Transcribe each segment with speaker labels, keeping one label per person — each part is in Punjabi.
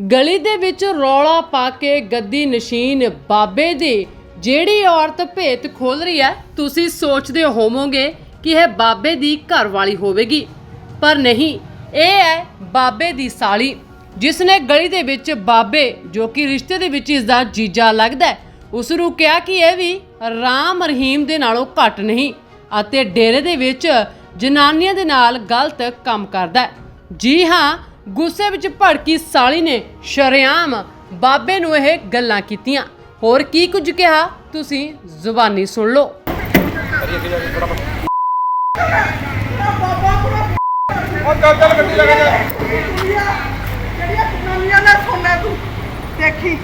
Speaker 1: ਗਲੀ ਦੇ ਵਿੱਚ ਰੌਲਾ ਪਾ ਕੇ ਗੱਦੀ ਨਸ਼ੀਨ ਬਾਬੇ ਦੀ ਜਿਹੜੀ ਔਰਤ ਭੇਤ ਖੋਲ ਰਹੀ ਹੈ, ਤੁਸੀਂ ਸੋਚਦੇ ਹੋਵੋਗੇ ਕਿ ਇਹ ਬਾਬੇ ਦੀ ਘਰਵਾਲੀ ਹੋਵੇਗੀ, ਪਰ ਨਹੀਂ, ਇਹ ਹੈ ਬਾਬੇ ਦੀ ਸਾਲੀ, ਜਿਸ ਨੇ ਗਲੀ ਦੇ ਵਿੱਚ ਬਾਬੇ ਜੋ ਕਿ ਰਿਸ਼ਤੇ ਦੇ ਵਿੱਚ ਇਸ ਦਾ ਜੀਜਾ ਲੱਗਦਾ ਹੈ, ਉਸ ਨੂੰ ਕਿਹਾ ਕਿ ਇਹ ਵੀ ਰਾਮ ਰਹੀਮ ਦੇ ਨਾਲੋਂ ਘੱਟ ਨਹੀਂ ਅਤੇ ਡੇਰੇ ਦੇ ਵਿੱਚ ਜਨਾਨੀਆਂ ਦੇ ਨਾਲ ਗਲਤ ਕੰਮ ਕਰਦਾ ਹੈ। ਜੀ ਹਾਂ, ਗੁੱਸੇ ਵਿੱਚ ਭੜਕੀ ਸਾਲੀ ਨੇ ਸ਼ਰੇਆਮ ਬਾਬੇ ਨੂੰ ਇਹ ਗੱਲਾਂ ਕੀਤੀਆਂ। ਹੋਰ ਕੀ ਕੁਝ ਕਿਹਾ ਤੁਸੀਂ ਜ਼ੁਬਾਨੀ ਸੁਣ ਲਓ।
Speaker 2: ਦੇਖੀ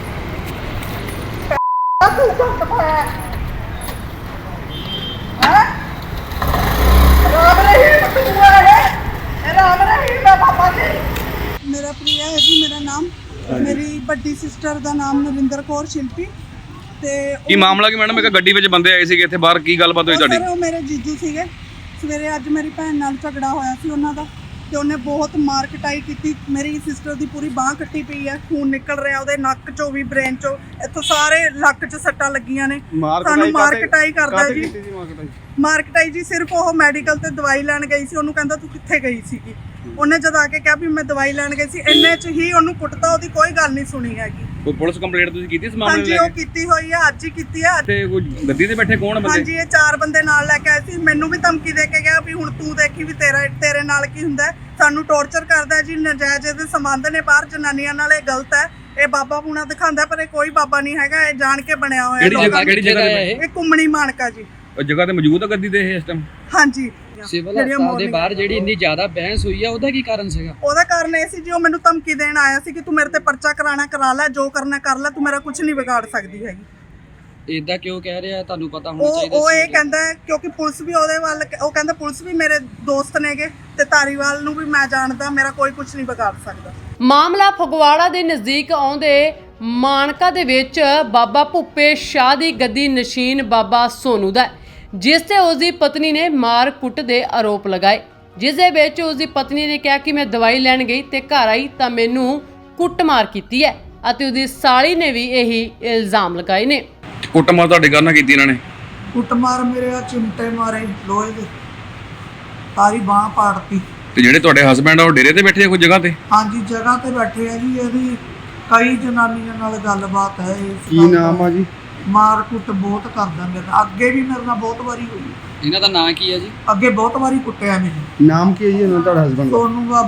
Speaker 2: मेरा प्रिया है जी, मेरा नाम, मेरी बड़ी सिस्टर का नाम नरिंदर कौर शिल्पी। ते
Speaker 3: ਕੀ ਮਾਮਲਾ ਕੀ ਮੈਡਮ? ਇੱਕ ਗੱਡੀ ਵਿੱਚ ਬੰਦੇ ਆਏ ਸੀਗੇ ਇੱਥੇ ਬਾਹਰ, ਕੀ ਗੱਲਬਾਤ ਹੋਈ ਤੁਹਾਡੀ?
Speaker 2: ਉਹ ਮੇਰੇ ਜੀਜੂ ਸੀਗੇ। ਸਵੇਰੇ ਅੱਜ ਮੇਰੀ ਭੈਣ ਨਾਲ ਝਗੜਾ ਹੋਇਆ ਸੀ ਉਹਨਾਂ ਦਾ, ਤੇ ਉਹਨੇ ਬਹੁਤ ਮਾਰ ਕਟਾਈ ਕੀਤੀ। ਮੇਰੀ ਸਿਸਟਰ ਦੀ ਪੂਰੀ ਬਾਹ ਕੱਟੀ ਪਈ ਹੈ, ਖੂਨ ਨਿਕਲ ਰਿਹਾ ਉਹਦੇ ਨੱਕ ਚੋਂ ਵੀ, ਬ੍ਰੇਨ ਚੋਂ, ਇੱਥੋਂ ਸਾਰੇ ਲੱਕ 'ਚ ਸੱਟਾਂ ਲੱਗੀਆਂ ਨੇ। ਸਾਨੂੰ ਮਾਰ ਕਟਾਈ ਕਰਦਾ ਜੀ। ਮਾਰ ਕਟਾਈ ਜੀ ਸਿਰਫ ਉਹ ਮੈਡੀਕਲ ਤੇ ਦਵਾਈ ਲੈਣ ਗਈ ਸੀ। ਉਹਨੂੰ ਕਹਿੰਦਾ ਤੂੰ ਕਿੱਥੇ ਗਈ ਸੀਗੀ? ਉਹਨੇ ਜਦ ਆ ਕੇ ਕਿਹਾ ਵੀ ਮੈਂ ਦਵਾਈ ਲੈਣ ਗਈ ਸੀ, ਇੰਨੇ 'ਚ ਹੀ ਉਹਨੂੰ ਕੁੱਟਤਾ। ਉਹਦੀ ਕੋਈ ਗੱਲ ਨਹੀਂ ਸੁਣੀ ਹੈਗੀ।
Speaker 3: ਕੋਈ ਪੁਲਿਸ ਕੰਪਲੇਂਟ ਤੁਸੀਂ ਕੀਤੀ ਇਸ ਮਾਮਲੇ
Speaker 2: ਹਾਂਜੀ,
Speaker 3: ਨੂੰ?
Speaker 2: ਉਹ ਕੀਤੀ ਹੋਈ ਹੈ, ਅੱਜ ਹੀ ਕੀਤੀ ਹੈ।
Speaker 3: ਤੇ ਕੋਈ ਗੱਡੀ ਤੇ ਬੈਠੇ ਕੌਣ ਬੰਦੇ?
Speaker 2: ਹਾਂਜੀ, ਇਹ 4 ਬੰਦੇ ਨਾਲ ਲੈ ਕੇ ਆਏ ਸੀ। ਮੈਨੂੰ ਵੀ ਧਮਕੀ ਦੇ ਕੇ ਗਿਆ ਵੀ ਹੁਣ ਤੂੰ ਦੇਖੀ ਵੀ ਤੇਰੇ ਨਾਲ ਕੀ ਹੁੰਦਾ ਹੈ। ਸਾਨੂੰ ਟੌਰਚਰ ਕਰਦਾ ਜੀ। ਨਜਾਇਜ਼ ਦੇ ਸੰਬੰਧ ਨੇ ਬਾਹਰ ਜਨਾਨੀਆਂ ਨਾਲ, ਇਹ ਗਲਤ ਹੈ। ਇਹ ਬਾਬਾ ਪੂਣਾ ਦਿਖਾਉਂਦਾ, ਪਰ ਇਹ ਕੋਈ ਬਾਬਾ ਨਹੀਂ ਹੈਗਾ, ਇਹ ਜਾਣ ਕੇ ਬਣਿਆ ਹੋਇਆ।
Speaker 3: ਕਿਹੜੀ ਜਗ੍ਹਾ ਤੇ?
Speaker 2: ਇਹ ਕੁੰਮਣੀ ਮਾਨਕਾ ਜੀ।
Speaker 3: ਉਹ ਜਗ੍ਹਾ ਤੇ ਮੌਜੂਦ ਹੈ ਗੱਡੀ ਤੇ ਇਹ ਇਸ ਟਾਈਮ?
Speaker 2: ਹਾਂਜੀ।
Speaker 4: ਸਿਵਲ ਹਸਪਤਾਲ ਦੇ ਬਾਹਰ ਜਿਹੜੀ ਇੰਨੀ ਜ਼ਿਆਦਾ ਬਹਿਸ ਹੋਈ ਆ, ਉਹਦਾ ਕੀ ਕਾਰਨ ਸੀਗਾ?
Speaker 2: ਉਹਦਾ ਕਾਰਨ ਇਹ ਸੀ ਜੀ, ਉਹ ਮੈਨੂੰ ਧਮਕੀ ਦੇਣ ਆਇਆ ਸੀ ਕਿ ਤੂੰ ਮੇਰੇ ਤੇ ਪਰਚਾ ਕਰਾਣਾ ਕਰਾ ਲੈ, ਜੋ ਕਰਨਾ ਕਰ ਲੈ, ਤੂੰ ਮੇਰਾ ਕੁਝ ਨਹੀਂ ਵਿਗਾੜ ਸਕਦੀ ਹੈਗੀ।
Speaker 4: ਇਦਾਂ ਕਿਉਂ ਕਹਿ ਰਿਹਾ? ਤੁਹਾਨੂੰ ਪਤਾ ਹੋਣਾ ਚਾਹੀਦਾ
Speaker 2: ਉਹ ਇਹ ਕਹਿੰਦਾ ਕਿਉਂਕਿ ਪੁਲਿਸ ਵੀ ਉਹਦੇ ਵੱਲ, ਉਹ ਕਹਿੰਦਾ ਪੁਲਿਸ ਵੀ ਮੇਰੇ ਦੋਸਤ ਨੇਗੇ ਤੇ ਧਾਰੀਵਾਲ ਨੂੰ ਵੀ ਮੈਂ ਜਾਣਦਾ, ਮੇਰਾ ਕੋਈ ਕੁਝ ਨਹੀਂ ਵਿਗਾੜ ਸਕਦਾ।
Speaker 1: ਮਾਮਲਾ ਫਗਵਾੜਾ ਦੇ ਨਜ਼ਦੀਕ ਆਉਂਦੇ ਮਾਨਕਾ ਦੇ ਵਿੱਚ ਬਾਬਾ ਭੁੱਪੇ ਸ਼ਾਹ ਦੀ ਗੱਦੀ ਨਸ਼ੀਨ ਬਾਬਾ ਸੋਨੂ ਦਾ, ਜਿਸ ਤੇ ਉਸ ਦੀ ਪਤਨੀ ਨੇ ਮਾਰ ਕੁੱਟ ਦੇ ਆਰੋਪ ਲਗਾਏ, ਜਿਸ ਦੇ ਵਿੱਚ ਉਸ ਦੀ ਪਤਨੀ ਨੇ ਕਿਹਾ ਕਿ ਮੈਂ ਦਵਾਈ ਲੈਣ ਗਈ ਤੇ ਘਰ ਆਈ ਤਾਂ ਮੈਨੂੰ ਕੁੱਟਮਾਰ ਕੀਤੀ ਹੈ ਅਤੇ ਉਸ ਦੀ ਸਾਲੀ ਨੇ ਵੀ ਇਹੀ ਇਲਜ਼ਾਮ ਲਗਾਏ ਨੇ।
Speaker 3: ਕੁੱਟਮਾਰ ਤੁਹਾਡੇ ਘਰ ਨਾਲ ਕੀਤੀ ਇਹਨਾਂ ਨੇ?
Speaker 2: ਕੁੱਟਮਾਰ ਮੇਰੇ ਆ ਚਿਮਟੇ ਮਾਰੇ ਲੋਹੇ ਦੇ, ਸਾਰੀ ਬਾਹ ਪਾੜਤੀ।
Speaker 3: ਤੇ ਜਿਹੜੇ ਤੁਹਾਡੇ ਹਸਬੰਡ ਆ ਉਹ ਡੇਰੇ ਤੇ ਬੈਠੇ ਆ ਕੋਈ ਜਗ੍ਹਾ ਤੇ?
Speaker 2: ਹਾਂਜੀ, ਜਗ੍ਹਾ ਤੇ ਬੈਠੇ ਆ ਜੀ। ਇਹਦੀ ਕਈ ਜਨਾਨੀਆਂ ਨਾਲ ਗੱਲਬਾਤ ਹੈ।
Speaker 5: ਕੀ ਨਾਮ ਆ ਜੀ?
Speaker 2: ਮਾਰ ਕੁੱਟ ਬਹੁਤ ਕਰਦਾ ਮੇਰੇ ਨਾਲ, ਅੱਗੇ ਵੀ ਮੇਰੇ ਨਾਲ ਬਹੁਤ ਵਾਰੀ ਹੋਈ।
Speaker 4: ਇਹਨਾਂ ਦਾ ਨਾਂ ਕੀ ਹੈ ਜੀ?
Speaker 2: ਅੱਗੇ ਬਹੁਤ ਵਾਰੀ ਕੁੱਟਿਆ ਮੈਨੂੰ।
Speaker 5: ਨਾਮ ਕੀ ਹੈ ਜੀ ਉਹਨਾਂ ਤੁਹਾਡਾ ਹਸਬੰਡ ਦਾ?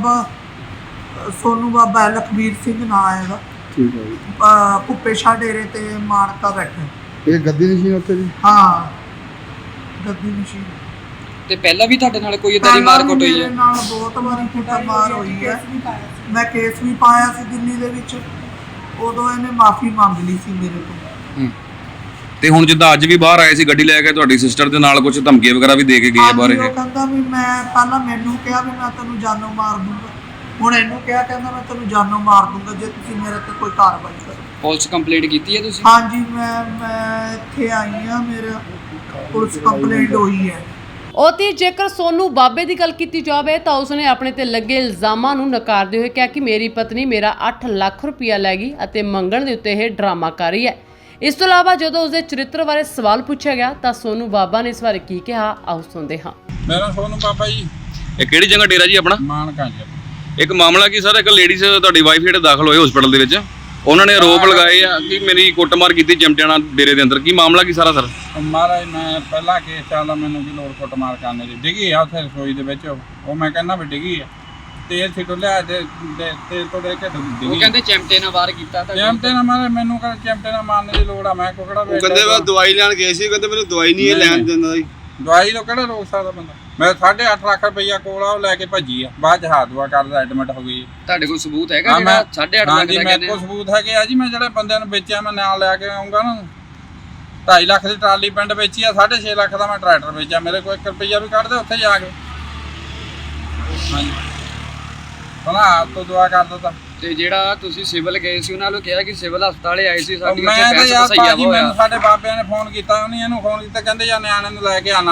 Speaker 2: ਸੋਨੂ ਬਾਬਾ ਲਖਬੀਰ ਸਿੰਘ ਨਾਂ ਹੈ ਇਹਦਾ।
Speaker 5: ਠੀਕ ਹੈ ਜੀ।
Speaker 2: ਭੁੱਪੇ ਸ਼ਾਹ ਡੇਰੇ ਤੇ ਮਾਨਕਾ ਬੈਠਾ।
Speaker 5: ਇਹ ਗੱਦੀ ਨਸ਼ੀਨ ਉੱਥੇ ਜੀ?
Speaker 2: ਹਾਂ, ਗੱਦੀ ਨਸ਼ੀਨ।
Speaker 4: ਤੇ ਪਹਿਲਾਂ ਵੀ ਤੁਹਾਡੇ ਨਾਲ ਕੋਈ ਇਦਾਂ ਦੀ ਮਾਰ ਕੁੱਟ ਹੋਈ
Speaker 2: ਮੇਰੇ
Speaker 4: ਹੈ?
Speaker 2: ਨਾਲ ਬਹੁਤ ਵਾਰੀ ਕੁੱਟਮਾਰ ਹੋਈ ਹੈ। ਮੈਂ ਕੇਸ ਵੀ ਪਾਇਆ ਸੀ ਦਿੱਲੀ ਦੇ ਵਿੱਚ। ਉਦੋਂ ਇਹਨੇ ਮਾਫੀ ਮੰਗ ਲਈ ਸੀ ਮੇਰੇ ਤੋਂ।
Speaker 3: ਤੇ ਹੁਣ ਜਿੱਦਾਂ ਅੱਜ ਵੀ ਬਾਹਰ ਆਏ ਸੀ ਗੱਡੀ ਲੈ ਕੇ, ਤੁਹਾਡੀ ਸਿਸਟਰ ਦੇ ਨਾਲ ਕੁਝ ਧਮਕੀਆਂ ਵਗੈਰਾ ਵੀ ਦੇ ਕੇ ਗਏ ਬਾਹਰ?
Speaker 2: ਉਹ ਕਹਿੰਦਾ ਵੀ ਮੈਂ ਪਹਿਲਾਂ ਮੈਨੂੰ ਕਿਹਾ ਵੀ ਮੈਂ ਤੈਨੂੰ ਜਾਨੋਂ ਮਾਰ ਦੂੰਗਾ, ਹੁਣ ਇਹਨੂੰ ਕਿਹਾ ਕਹਿੰਦਾ ਮੈਂ ਤੈਨੂੰ ਜਾਨੋਂ ਮਾਰ ਦੂੰਗਾ ਜੇ ਤੁਸੀਂ ਮੇਰੇ ਤੇ ਕੋਈ ਕਾਰਵਾਈ ਕਰੋ।
Speaker 4: ਪੁਲਿਸ ਕੰਪਲੇਂਟ ਕੀਤੀ ਹੈ ਤੁਸੀਂ?
Speaker 2: ਹਾਂਜੀ, ਮੈਂ ਇੱਥੇ ਆਈ ਹਾਂ, ਮੇਰੇ ਪੁਲਿਸ ਕੰਪਲੇਂਟ ਹੋਈ ਹੈ।
Speaker 1: ਉਤੀ ਜੇਕਰ ਸੋਨੂ ਬਾਬੇ ਦੀ ਗੱਲ ਕੀਤੀ ਜਾਵੇ ਤਾਂ ਉਸਨੇ ਆਪਣੇ ਤੇ ਲੱਗੇ ਇਲਜ਼ਾਮਾਂ ਨੂੰ ਨਕਾਰਦੇ ਹੋਏ ਕਿਹਾ ਕਿ ਮੇਰੀ ਪਤਨੀ ਮੇਰਾ 8 ਲੱਖ ਰੁਪਇਆ ਲੈ ਗਈ ਅਤੇ ਮੰਗਣ ਦੇ ਉੱਤੇ ਇਹ ਡਰਾਮਾ ਕਰ ਰਹੀ ਹੈ। ਇਸ ਤੋਂ ਇਲਾਵਾ ਜਦੋਂ ਉਸਦੇ ਚਰਿੱਤਰ ਬਾਰੇ ਸਵਾਲ ਪੁੱਛਿਆ ਗਿਆ ਤਾਂ ਸੋਨੂ ਬਾਬਾ ਨੇ ਇਸ ਬਾਰੇ ਕੀ ਕਿਹਾ, ਆਓ ਸੁਣਦੇ ਹਾਂ।
Speaker 6: ਮੇਰਾ ਸੋਨੂ ਬਾਬਾ ਜੀ।
Speaker 3: ਇਹ ਕਿਹੜੀ ਜਗ੍ਹਾ ਡੇਰਾ ਜੀ ਆਪਣਾ?
Speaker 6: ਮਾਨਕਾ ਜੀ।
Speaker 3: ਇੱਕ ਮਾਮਲਾ ਕੀ ਸਰ, ਇੱਕ ਲੇਡੀਜ਼ ਤੁਹਾਡੀ ਵਾਈਫ ਜਿਹੜੇ ਦਾਖਲ ਹੋਏ ਹਸਪੀਟਲ ਦੇ ਵਿੱਚ, ਉਹਨਾਂ ਨੇ ਆਰੋਪ ਲਗਾਏ ਆ ਕਿ ਮੇਰੀ ਕੁੱਟਮਾਰ ਕੀਤੀ ਚਿਮਟਿਆਣਾ ਡੇਰੇ ਦੇ ਅੰਦਰ। ਕੀ ਮਾਮਲਾ ਕੀ ਸਾਰਾ ਸਰ?
Speaker 6: ਮਹਾਰਾਜ ਮੈਂ ਪਹਿਲਾਂ ਕੇਸ ਚੱਲਦਾ, ਮੈਨੂੰ ਕੀ ਲੋੜ ਕੁੱਟਮਾਰ ਕਰਨ ਦੀ? ਡਿੱਗੀ ਆ ਉੱਥੇ ਰਸੋਈ ਦੇ ਵਿੱਚ, ਉਹ ਮੈਂ ਕਹਿੰਦਾ ਵੀ ਡਿੱਗੀ ਆ, ਤੇਲ ਛਿੱਟੋ ਲਿਆ ਤੇ ਤੇਲ ਤੋਂ ਲੈ ਕੇ ਡਿੱਗੀ।
Speaker 4: ਉਹ ਕਹਿੰਦੇ ਚਿਮਟੇ ਨਾਲ ਵਾਰ ਕੀਤਾ ਤਾਂ
Speaker 6: ਚਿਮਟੇ ਨਾਲ ਮਾਰੇ ਮੈਨੂੰ, ਕਹਿੰਦਾ ਚਿਮਟੇ ਨਾਲ ਮਾਰਨ ਦੀ ਲੋੜ ਆ, ਮੈਂ ਕੋਕੜਾ
Speaker 5: ਉਹ ਕਹਿੰਦੇ ਵਾ ਦਵਾਈ ਲੈਣ ਗਏ ਸੀ, ਕਹਿੰਦੇ ਮੈਨੂੰ ਦਵਾਈ ਨਹੀਂ ਇਹ ਲੈਣ ਦਿੰਦਾ ਜੀ।
Speaker 6: ਦਵਾਈ ਤੋਂ ਕਿਹੜਾ ਰੋਕ ਸਕਦਾ ਬੰਦਾ? ਮੈਂ 8.5 ਲੱਖ ਰੁਪਈਆ ਕੋਲ ਆ, ਉਹ ਲੈ ਕੇ ਭੱਜੀ ਆ, ਬਾਅਦ ਚ ਹਾਥ ਦੁਆ ਕਰਦਾ ਐਡਮਿਟ ਹੋ ਗਈ।
Speaker 4: ਤੁਹਾਡੇ ਕੋਲ ਸਬੂਤ ਹੈਗਾ ਜਿਹੜਾ 8.5 ਲੱਖ ਦਾ
Speaker 6: ਹਾਂਜੀ, ਮੇਰੇ ਕੋਲ ਸਬੂਤ ਹੈਗੇ ਆ ਜੀ। ਮੈਂ ਜਿਹੜੇ ਬੰਦਿਆਂ ਨੂੰ ਵੇਚਿਆ ਮੈਂ ਨਾਲ ਲੈ ਕੇ ਆਉਂਗਾ ਨਾ। 2.5 ਲੱਖ ਦੀ ਟਰਾਲੀ ਪਿੰਡ ਵੇਚੀ ਆ, 6.5 ਲੱਖ ਦਾ ਮੈਂ ਟਰੈਕਟਰ ਵੇਚਿਆ। ਮੇਰੇ ਕੋਲ 1 ਰੁਪਈਆ ਵੀ ਕੱਢ ਦੇ ਉੱਥੇ ਜਾ ਕੇ। ਹਾਂਜੀ, ਉਹਨਾਂ ਆਪ ਤੋਂ ਦੁਆ ਕਰ ਦਿੱਤਾ।
Speaker 4: ਤੇ ਜਿਹੜਾ ਤੁਸੀਂ ਸਿਵਲ ਗਏ ਸੀ, ਉਹਨਾਂ ਨੂੰ ਕਿਹਾ ਕਿ ਸਿਵਲ ਹਸਪਤਾਲੇ ਆਏ ਸੀ, ਸਾਡੀ
Speaker 6: ਮੈਂ
Speaker 4: ਉੱਥੇ
Speaker 6: ਤਾਂ
Speaker 4: ਬਹਿਸ
Speaker 6: ਯਾਰ
Speaker 4: ਵਸਾਈਆ
Speaker 6: ਭਾਜੀ,
Speaker 4: ਹੋਇਆ।
Speaker 6: ਮੈਨੂੰ ਸਾਡੇ ਬਾਬਿਆਂ ਨੇ ਫੋਨ ਕੀਤਾ, ਉਹਨੇ ਇਹਨੂੰ ਫੋਨ ਕੀਤਾ, ਕਹਿੰਦੇ ਜਾਂ ਨਿਆਣੇ ਨੂੰ ਲੈ ਕੇ ਆ ਨਾਲ।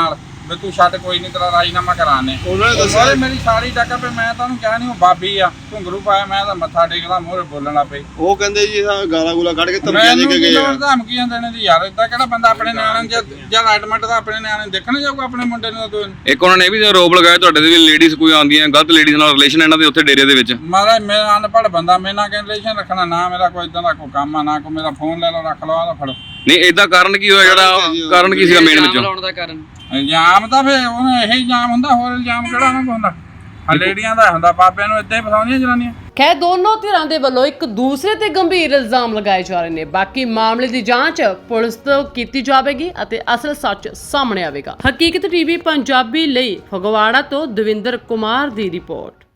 Speaker 6: ਵੀ ਤੂੰ ਛੱਡ ਕੋਈ ਨਹੀਂ ਤੇਰਾ ਰਾਜੀਨਾਮਾ ਕਰਾਣੇ
Speaker 5: ਉਹਨਾਂ ਨੇ ਦੱਸਿਆ
Speaker 6: ਸਾਰੇ ਮੇਰੀ ਸਾਰੀ ਟੱਕਰ ਪਈ ਮੈਂ ਤੁਹਾਨੂੰ ਕਿਹਾ ਨਹੀਂ ਉਹ ਬਾਬੀ ਆ ਘੁੰਗਰੂ ਪਾਇਆ ਮੈਂ ਤਾਂ ਮੱਥਾ ਟੇਕਦਾ ਮੂਹਰੇ ਬੋਲਣ ਲੱਗ ਪਈ
Speaker 5: ਉਹ ਕਹਿੰਦੇ ਜੀ ਗਾਲਾਂ ਗੂਲਾ ਕੱਢ ਕੇ ਧਮਕੀਆਂ ਦੇ
Speaker 6: ਮੈਨੂੰ
Speaker 5: ਕੇ
Speaker 6: ਕੀ
Speaker 5: ਗਏ
Speaker 6: ਲੋੜ
Speaker 5: ਆ।
Speaker 6: ਧਮਕੀਆਂ ਦੇਣੇ ਦੀ ਯਾਰ ਏਦਾਂ ਕਿਹੜਾ ਬੰਦਾ ਆਪਣੇ ਨਿਆਣੇ ਜਾਂ ਐਡਮਿਟ ਦਾ ਆਪਣੇ ਨਿਆਣੇ ਦੇਖਣ ਜਾਊਗਾ ਆਪਣੇ ਮੁੰਡੇ ਨੂੰ ਤਾਂ
Speaker 3: ਇੱਕ ਉਹਨਾਂ ਨੇ ਇਹ ਵੀ ਆਰੋਪ ਲਗਾਇਆ ਤੁਹਾਡੇ ਦੇ ਵੀ ਲੇਡੀਜ਼ ਕੋਈ ਆਉਂਦੀਆਂ ਗਲਤ ਲੇਡੀਜ਼ ਨਾਲ ਰਿਲੇਸ਼ਨ ਇਹਨਾਂ ਦੇ ਉੱਥੇ ਡੇਰੇ ਦੇ ਵਿੱਚ।
Speaker 6: ਮਾਰਾ ਮੈਂ ਅਨਪੜ੍ਹ ਬੰਦਾ ਮੇਰੇ ਨਾਲ ਕਿਹਨ ਰਿਲੇਸ਼ਨ ਰੱਖਣਾ ਨਾ ਮੇਰਾ ਕੋਈ ਇਦਾਂ ਦਾ ਕੋਈ ਕੰਮ ਆ ਨਾ ਕੋਈ ਮੇਰਾ ਫੋਨ ਲੈ ਲਓ ਰੱਖ ਲਓ ਆਹ ਫੜੋ
Speaker 3: ਨਹੀਂ ਇਦਾਂ ਕਾਰਨ ਕੀ ਹੋਇਆ ਜਿਹੜਾ ਕਾਰਨ ਕੀ ਸੀਗਾ ਮੇਨ
Speaker 4: ਇਲਜ਼ਾਮ
Speaker 3: ਵਿੱਚੋਂ?
Speaker 4: ਲਾਉਣ ਦਾ ਕਾਰਨ
Speaker 6: ਇਲਜ਼ਾਮ ਤਾਂ ਫੇ ਉਹਨੇ ਇਹੀ ਇਲਜ਼ਾਮ ਹੁੰਦਾ ਹੋਰ ਇਲਜ਼ਾਮ ਕਿਹੜਾ ਉਹਨਾਂ ਕੋਲ ਹੁੰਦਾ ਆ ਲੇਡੀਆਂ ਦਾ ਹੁੰਦਾ ਬਾਬਿਆਂ ਨੂੰ ਇਦਾਂ ਹੀ ਫਸਾਉਂਦੀਆਂ ਜਨਾਨੀਆਂ।
Speaker 1: ਖੈਰ ਦੋਨੋਂ ਧਿਰਾਂ ਦੇ ਵੱਲੋਂ ਇੱਕ ਦੂਸਰੇ ਤੇ ਗੰਭੀਰ ਇਲਜ਼ਾਮ ਲਗਾਏ ਜਾ ਰਹੇ ਨੇ। ਬਾਕੀ ਮਾਮਲੇ ਦੀ ਜਾਂਚ ਪੁਲਿਸ ਤੋਂ ਕੀਤੀ ਜਾਵੇਗੀ ਅਤੇ ਅਸਲ ਸੱਚ ਸਾਹਮਣੇ ਆਵੇਗਾ। ਹਕੀਕਤ ਟੀਵੀ ਪੰਜਾਬੀ ਲਈ ਫਗਵਾੜਾ ਤੋਂ ਦਵਿੰਦਰ ਕੁਮਾਰ ਦੀ ਰਿਪੋਰਟ।